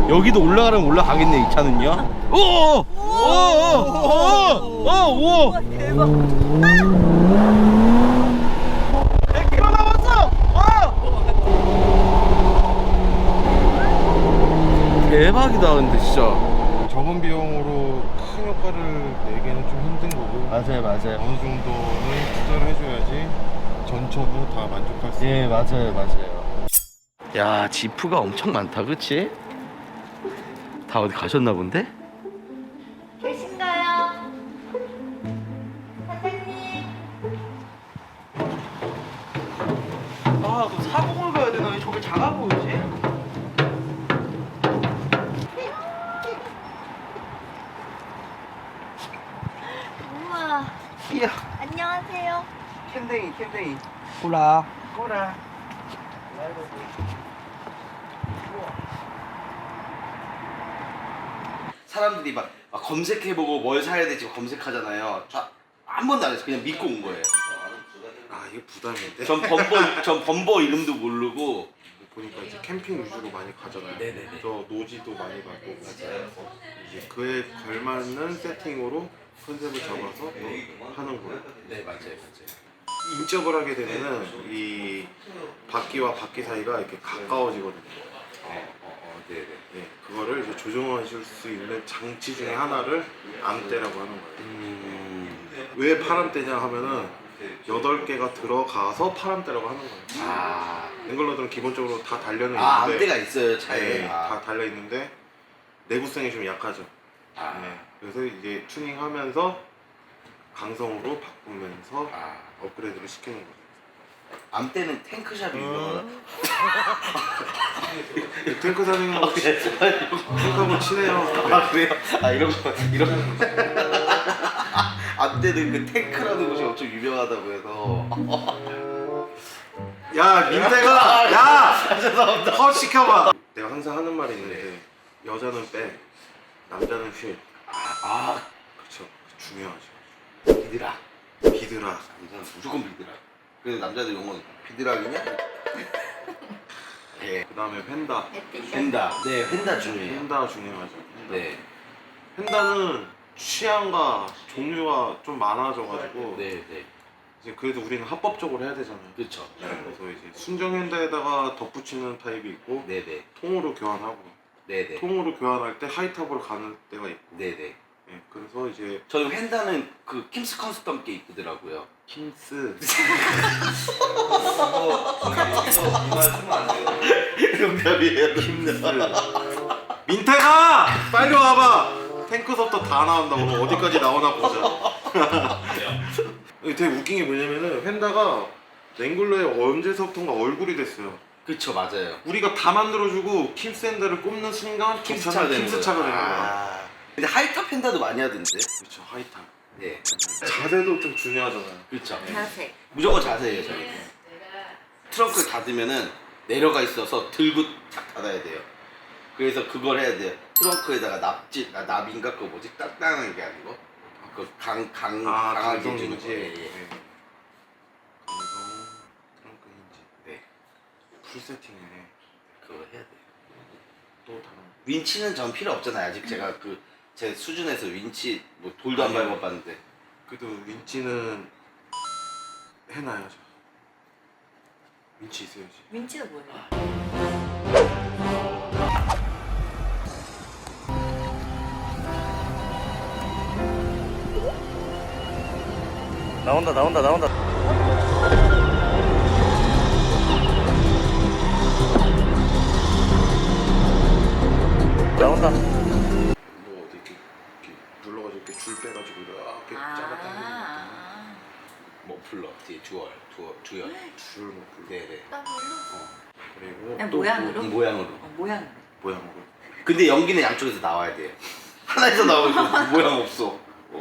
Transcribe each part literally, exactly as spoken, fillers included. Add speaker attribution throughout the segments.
Speaker 1: 여기도 올라가면 올라가겠네 이 차는요. 오오오오오오
Speaker 2: 대박.
Speaker 1: 백 킬로미터 남았어. 대박이다 근데 진짜.
Speaker 3: 적은 비용으로 큰 효과를 내기는 좀 힘든 거고
Speaker 1: 맞아요 맞아요.
Speaker 3: 어느 정도는 투자를 해줘야지 전처도 다 만족할 수 있는.
Speaker 1: 예 맞아요 맞아요. 야 지프가 엄청 많다 그치? 다 어디 가셨나 본데?
Speaker 2: 계신가요? 사장님.
Speaker 1: 아, 너 사공을 가야 되나? 왜 저게 작아 보이지?
Speaker 2: 우와.
Speaker 1: 이야,
Speaker 2: 안녕하세요.
Speaker 1: 캔댕이, 캔댕이. 꼬라. 꼬라. 사람들이 막, 막 검색해보고 뭘 사야 될지 검색하잖아요. 자, 한 번도 안 했어. 그냥 믿고 온 거예요.
Speaker 3: 아 이게 부담인데?
Speaker 1: 전 범버, 전 범버 이름도 모르고.
Speaker 3: 보니까 이제 캠핑 위주로 많이 가잖아요.
Speaker 1: 네네네.
Speaker 3: 저 노지도 많이 가고 맞아요. 이제 그에 걸맞는 세팅으로 컨셉을 잡아서 또 하는 거예요.
Speaker 1: 네, 맞아요, 맞아요.
Speaker 3: 인접을 하게 되면은 이 바퀴와 바퀴 사이가 이렇게 가까워지거든요.
Speaker 1: 어, 어, 어, 네네.
Speaker 3: 네, 그거를 이제 조정하실 수 있는 장치 중에 하나를 암대라고 하는 거예요.
Speaker 1: 음.
Speaker 3: 왜 파람대냐 하면은 여덟 개가 들어가서 파람대라고 하는 거예요.
Speaker 1: 아.
Speaker 3: 앵글러들은 기본적으로 다 달려는
Speaker 1: 아,
Speaker 3: 있는데
Speaker 1: 암대가 있어요, 차에.
Speaker 3: 네,
Speaker 1: 아.
Speaker 3: 다 달려 있는데 내구성이 좀 약하죠.
Speaker 1: 아.
Speaker 3: 네, 그래서 이제 튜닝하면서 강성으로 바꾸면서
Speaker 1: 아.
Speaker 3: 업그레이드를 시키는 거죠.
Speaker 1: 암대는 탱크샵이 유명하다.
Speaker 3: 탱크 사장님하고 탱크하고 친해요.
Speaker 1: 아 그래요? 아 이런 거 이런 거. 암대는 그 탱크라는 곳이 엄청 유명하다고 해서.
Speaker 3: 야 민태가 야
Speaker 1: 죄송합니다.
Speaker 3: 컷 시켜봐. 내가 항상 하는 말이 있는데 여자는 백, 남자는 휠.
Speaker 1: 아
Speaker 3: 그렇죠. 중요하죠.
Speaker 1: 비드라.
Speaker 3: 비드라.
Speaker 1: 남자는 무조건 비드라. 그래서 남자들 용어는 비드락이냐? 네.
Speaker 3: 그 다음에 펜다.
Speaker 1: 펜다. 네 펜다 중요해요.
Speaker 3: 펜다 중요하죠.
Speaker 1: 네.
Speaker 3: 펜다는 취향과 종류가 좀 많아져가지고
Speaker 1: 네 네.
Speaker 3: 이제 그래도 우리는 합법적으로 해야 되잖아요.
Speaker 1: 그렇죠.
Speaker 3: 네, 그래서 이제 순정 핸다에다가 덧붙이는 타입이 있고
Speaker 1: 네네.
Speaker 3: 통으로 교환하고
Speaker 1: 네네.
Speaker 3: 통으로 교환할 때 하이탑으로 가는 때가 있고.
Speaker 1: 네네.
Speaker 3: 네, 그래서 이제
Speaker 1: 저희 펜다는 그 킴스 컨셉 함께 이쁘더라고요.
Speaker 3: 킴스
Speaker 1: 농담이에요.
Speaker 3: 킴스 민태가 빨리 와봐. 탱크서부터 다 나온다. 오늘 어디까지 나오나 보자. 되게 웃긴 게 뭐냐면은 펜다가 랭글러에 언제서부턴가 얼굴이 됐어요.
Speaker 1: 그쵸 맞아요.
Speaker 3: 우리가 다 만들어주고 킴스 핸다를 꼽는 순간
Speaker 1: 킴스 차가 되는
Speaker 3: 킴스
Speaker 1: 거예요.
Speaker 3: 차가 되는 거야.
Speaker 1: 아. 근데 하이탑 펜다도 많이 하던데.
Speaker 3: 그렇죠. 하이탑.
Speaker 1: 네.
Speaker 3: 자세도 좀 중요하잖아요.
Speaker 1: 그렇죠.
Speaker 2: 자세.
Speaker 1: 무조건 자세예요 저희. 트렁크를 닫으면은 내려가 있어서 들고 탁 닫아야 돼요. 그래서 그걸 해야 돼요. 트렁크에다가 납지, 아, 납인가 그거 뭐지? 딱딱하게 하는 거. 그 강, 강,
Speaker 3: 아,
Speaker 1: 강하게
Speaker 3: 강성
Speaker 1: 해주는
Speaker 3: 인지.
Speaker 1: 거. 예, 예.
Speaker 3: 네. 강성 트렁크 인지.
Speaker 1: 네.
Speaker 3: 풀 세팅이네.
Speaker 1: 그거 해야 돼요.
Speaker 3: 또 다른.
Speaker 1: 윈치는 전 필요 없잖아요. 아직 제가 그 제 수준에서 윈치 뭐 돌도 안
Speaker 3: 아니요.
Speaker 1: 밟아봤는데.
Speaker 3: 그래도 윈치는 해놔야죠. 윈치 있어야지.
Speaker 2: 민치가 뭐예요?
Speaker 1: 나온다 나온다 나온다. 나온다.
Speaker 3: 뭐 어디 이렇게, 이렇게 눌러가지고 이렇게 줄 빼가지고 이렇게 짜갔다는
Speaker 2: 아.
Speaker 1: 머플러 뒤에 듀얼 듀얼 듀얼.
Speaker 3: 줄 머플러.
Speaker 1: 네네.
Speaker 2: 더블로?
Speaker 3: 그리고
Speaker 2: 그냥
Speaker 3: 또
Speaker 2: 모양으로?
Speaker 1: 이 모양으로.
Speaker 2: 어, 모양.
Speaker 3: 모양으로.
Speaker 1: 근데 연기는 양쪽에서 나와야 돼요. 하나에서 나오고 모양 없어. 어,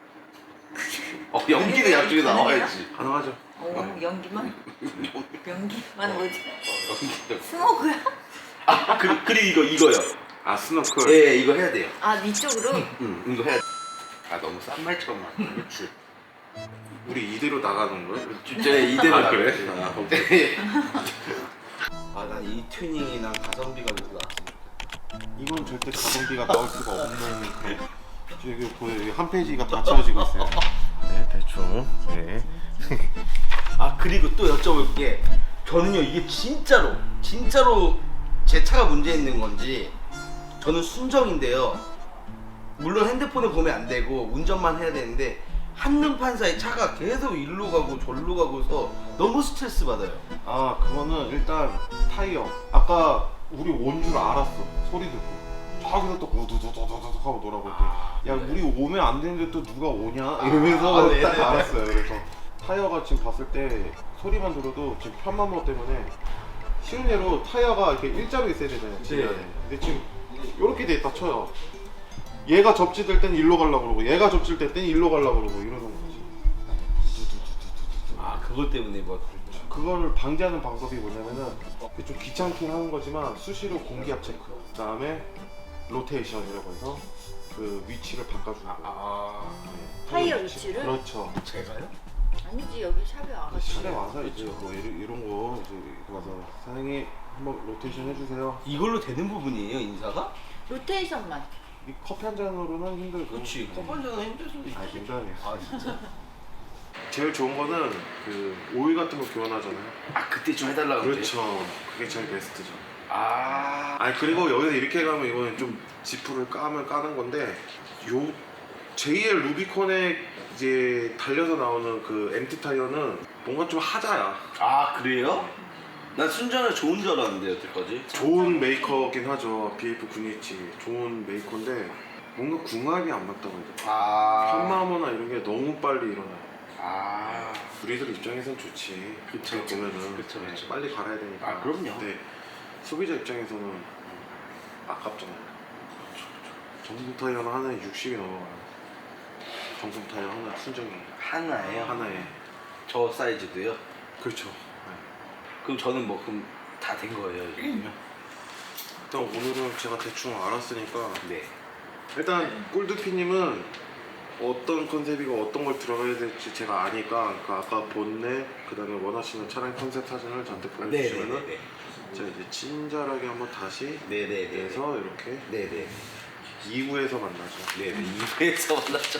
Speaker 1: 어 연기는 양쪽에서 나와야지.
Speaker 3: 가능하죠.
Speaker 2: 오 연기만? 연기만 뭐지?
Speaker 1: 어, 연기는.
Speaker 2: 스모그야?
Speaker 1: 아 그, 그리고 이거 이거요.
Speaker 3: 아 스노클.
Speaker 1: 예 이거 해야 돼요.
Speaker 2: 아 위쪽으로?
Speaker 1: 응 이거 해야 돼. 아 너무 싼 말처럼 막 줄.
Speaker 3: 우리 이대로 나가는 거야?
Speaker 1: 진짜 이대로
Speaker 3: 아, 그래?
Speaker 1: 나가지.
Speaker 3: 아,
Speaker 1: 네. 아난 이 튜닝이랑 가성비가 그래도 나왔으면 좋겠다.
Speaker 3: 이건 절대 가성비가 나올 수가 없는 그런. 여기 보여, 여기 한 페이지가 다 채워지고 있어요. 네, 대충. 네.
Speaker 1: 아 그리고 또 여쭤볼 게 저는요 이게 진짜로 진짜로 제 차가 문제 있는 건지 저는 순정인데요. 물론 핸드폰을 보면 안 되고 운전만 해야 되는데 한눈판 사이 차가 계속 일로 가고 절로 가고서 너무 스트레스 받아요.
Speaker 3: 아, 그거는 일단 타이어. 아까 우리 온 줄 알았어. 소리 듣고. 저기서 또 우두두두두두 하고 돌아볼 때.
Speaker 1: 아,
Speaker 3: 야,
Speaker 1: 네.
Speaker 3: 우리 오면 안 되는데 또 누가 오냐? 이러면서
Speaker 1: 아, 네,
Speaker 3: 딱
Speaker 1: 네.
Speaker 3: 알았어요. 그래서 타이어가 지금 봤을 때 소리만 들어도 지금 편마모 때문에 쉬운 예로 타이어가 이렇게 일자로 있어야 되잖아요.
Speaker 1: 네.
Speaker 3: 근데 지금 이렇게 돼 있다 쳐요. 얘가 접지될 땐 일로 가려고 그러고 얘가 접질 땐 일로 가려고 그러고 이러는 거지.
Speaker 1: 아 그것 때문에 뭐
Speaker 3: 그거를 방지하는 방법이 뭐냐면은 좀 귀찮긴 하는 거지만 수시로 공기압 체크, 그다음에 로테이션이라고 해서 그 위치를 바꿔주는 거예요.
Speaker 1: 아
Speaker 3: 네.
Speaker 2: 타이어 위치를?
Speaker 3: 그렇죠.
Speaker 1: 제가요?
Speaker 2: 아니지 여기 샵에 와가지고.
Speaker 3: 시내 와서 이제 뭐 이런, 이런 거 이제 와서 사장님 한번 로테이션 해주세요.
Speaker 1: 이걸로 되는 부분이에요 인사가?
Speaker 2: 로테이션만.
Speaker 3: 이 커피 한 잔으로는 힘들고.
Speaker 1: 그렇지 컵반전은 힘들 수도 있지.
Speaker 3: 아, 굉장해요.
Speaker 1: 아 진짜?
Speaker 3: 제일 좋은 거는 그 오일 같은 거 교환하잖아요.
Speaker 1: 아 그때 좀 해달라고 그랬지?
Speaker 3: 그렇죠. 그게 제일 베스트죠.
Speaker 1: 아
Speaker 3: 아니 그리고 여기서 이렇게 가면 이거는 좀 지프를 까면 까는 건데 요 제이엘 루비콘에 이제 달려서 나오는 그 엠티 타이어는 뭔가 좀 하자야.
Speaker 1: 아 그래요? 난 순전히 좋은 줄 알았는데 여태까지.
Speaker 3: 좋은 메이커긴 하죠. 비에프 구이치 좋은 메이커인데 뭔가 궁합이 안 맞다고 해야 돼.
Speaker 1: 아
Speaker 3: 편마모나 이런 게 너무 빨리 일어나요.
Speaker 1: 아
Speaker 3: 우리들 입장에선 좋지.
Speaker 1: 그쵸,
Speaker 3: 그거 보면은
Speaker 1: 그쵸,
Speaker 3: 네,
Speaker 1: 그쵸.
Speaker 3: 빨리 갈아야 되니까.
Speaker 1: 아, 그럼요.
Speaker 3: 근데 소비자 입장에서는 아깝잖아요. 정품 타이어는 하나에 육십이 넘어가요. 정품 타이어 하나 순정이
Speaker 1: 하나예요?
Speaker 3: 하나에.
Speaker 1: 저 사이즈도요?
Speaker 3: 그렇죠.
Speaker 1: 그럼 저는 뭐 그럼 다 된 거예요 이러면?
Speaker 3: 일단 오늘은 제가 대충 알았으니까
Speaker 1: 네.
Speaker 3: 일단 꿀두피님은 어떤 컨셉이고 어떤 걸 들어가야 될지 제가 아니까 그 아까 본넷 그 다음에 원하시는 차량 컨셉 사진을 저한테 보내주시면은
Speaker 1: 네네네.
Speaker 3: 제가 이제 친절하게 한번 다시
Speaker 1: 네네네.
Speaker 3: 해서 이렇게
Speaker 1: 네네.
Speaker 3: 이 부에서 만나죠.
Speaker 1: 네네. 이회에서 만났죠.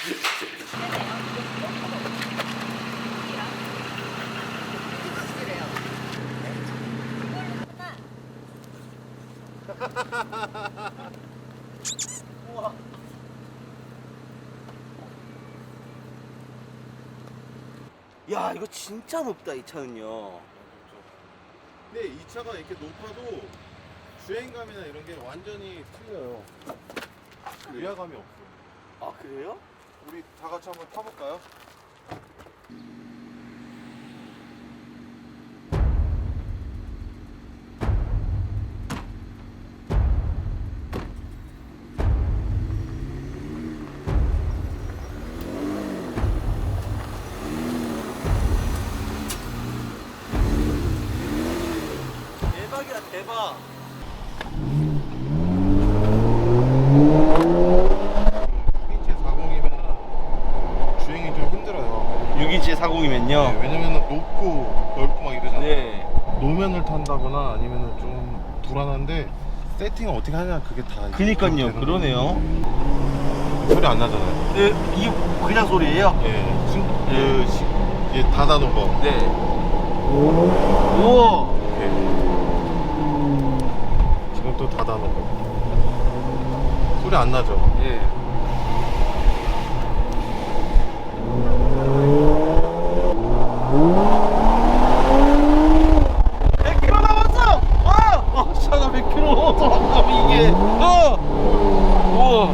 Speaker 1: 야 이거 진짜 높다 이 차는요.
Speaker 3: 근데 이 차가 이렇게 높아도 주행감이나 이런 게 완전히 틀려요. 위화감이 없어.
Speaker 1: 아 그래요?
Speaker 3: 우리 다 같이 한번 타볼까요?
Speaker 1: 대박이야 대박.
Speaker 3: 육이칠 사십이면은 주행이 좀 힘들어요.
Speaker 1: 육이칠 사십이면요.
Speaker 3: 네, 왜냐면은 높고 넓고 막 이러잖아요.
Speaker 1: 네.
Speaker 3: 노면을 탄다거나 아니면은 좀 불안한데 세팅을 어떻게 하냐 그게 다.
Speaker 1: 그니까요
Speaker 3: 되는
Speaker 1: 그러네요.
Speaker 3: 소리 안 나잖아요.
Speaker 1: 네, 이게 그냥 소리예요?
Speaker 3: 예, 순,
Speaker 1: 네.
Speaker 3: 그 시, 예, 닫아놓은 거.
Speaker 1: 네. 우와.
Speaker 3: 예. 지금 또 닫아놓은 거. 소리 안 나죠?
Speaker 1: 예. 백 킬로미터 남았어! 아! 아, 차가 백 킬로미터 돌아가면 이게. 어! 우와.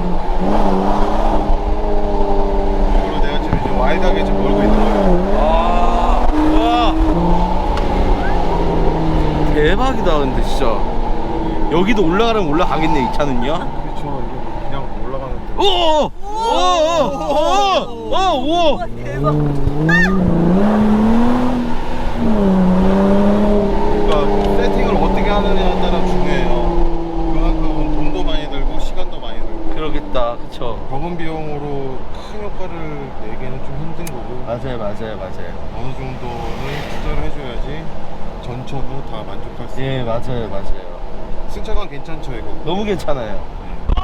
Speaker 3: 그리고 내가 지금 이제 와이드하게 지금 몰고 있는 거예요.
Speaker 1: 아, 우와. 대박이다, 근데 진짜. 여기도 올라가면 올라가겠네, 이 차는요?
Speaker 3: 그렇죠. 이게 그냥 올라가는데.
Speaker 1: 오! 오! 오! 오! 오! 오!
Speaker 2: 대박.
Speaker 3: 그러니까 세팅을 어떻게 하느냐에 따라 중요해요. 그만큼 돈도 많이 들고 시간도 많이 들고.
Speaker 1: 그러겠다, 그쵸?
Speaker 3: 적은 비용으로 큰 효과를 내기는 좀 힘든 거고.
Speaker 1: 맞아요, 맞아요, 맞아요.
Speaker 3: 어느 정도는 투자를 해줘야지 전처가 다 만족할 수 있는.
Speaker 1: 예, 맞아요, 맞아요.
Speaker 3: 승차감 괜찮죠 이거?
Speaker 1: 너무 괜찮아요.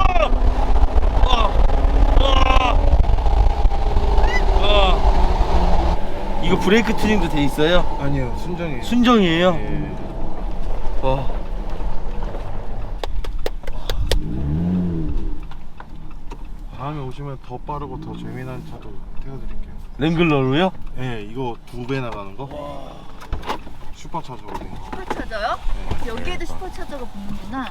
Speaker 1: 이거 브레이크 튜닝도 돼 있어요?
Speaker 3: 아니요 순정이에요.
Speaker 1: 순정이에요?
Speaker 3: 예.
Speaker 1: 와.
Speaker 3: 다음에 오시면 더 빠르고 더 재미난 차도 태워드릴게요.
Speaker 1: 랭글러로요?
Speaker 3: 예, 이거 두 배 나가는 거. 슈퍼차저거든요.
Speaker 2: 슈퍼차저요? 여기에도 슈퍼차저가 붙는구나.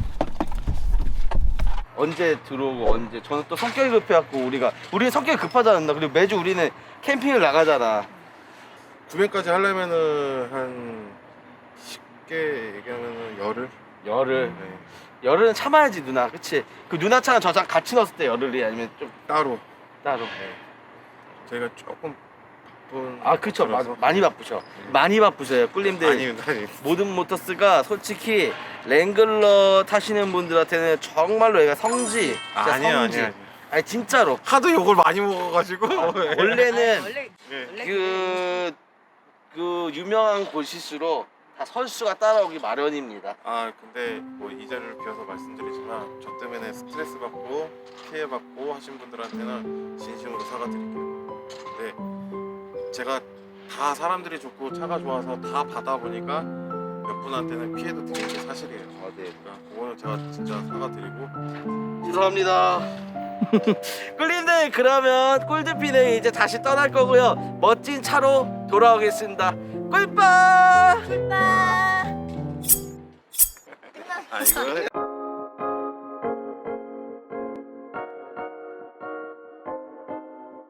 Speaker 1: 언제 들어오고 언제 저는 또 성격이 급해갖고 우리가 우리는 성격이 급하지 않나. 그리고 매주 우리는 캠핑을 나가잖아.
Speaker 3: 구매까지 하려면은 한 쉽게 얘기하면은 열흘.
Speaker 1: 열흘
Speaker 3: 네.
Speaker 1: 열흘은 참아야지 누나. 그치? 그 누나 차랑 저랑 같이 넣었을 때 열흘이 아니면 좀
Speaker 3: 따로.
Speaker 1: 따로.
Speaker 3: 저희가 조금 바쁜.
Speaker 1: 아 그쵸. 마,
Speaker 3: 거라서.
Speaker 1: 많이 바쁘셔. 많이 바쁘셔요 꿀님들.
Speaker 3: 아닙니다, 아닙니다.
Speaker 1: 모든 모터스가 솔직히 랭글러 타시는 분들한테는 정말로 얘가 성지. 진짜
Speaker 3: 아니에요,
Speaker 1: 성지.
Speaker 3: 아니에요.
Speaker 1: 아니 진짜로.
Speaker 3: 하도 욕을 많이 먹어가지고.
Speaker 1: 원래는
Speaker 2: 아, 원래
Speaker 3: 네.
Speaker 2: 원래
Speaker 1: 그, 그 유명한 곳일수록 다 선수가 따라오기 마련입니다.
Speaker 3: 아 근데 뭐 이 자리를 비워서 말씀드리지만 저 때문에 스트레스 받고 피해 받고 하신 분들한테는 진심으로 사과드릴게요. 근데 제가 다 사람들이 좋고 차가 좋아서 다 받아 보니까 몇 분한테는 피해도 드리는 게 사실이에요.
Speaker 1: 아, 네.
Speaker 3: 그러니까 그거는 제가 진짜 사과드리고.
Speaker 1: 죄송합니다. 꿀님들 그러면 꿀드피는 이제 다시 떠날 거고요. 멋진 차로 돌아오겠습니다. 꿀빠!
Speaker 2: 꿀빠.
Speaker 3: 아 이거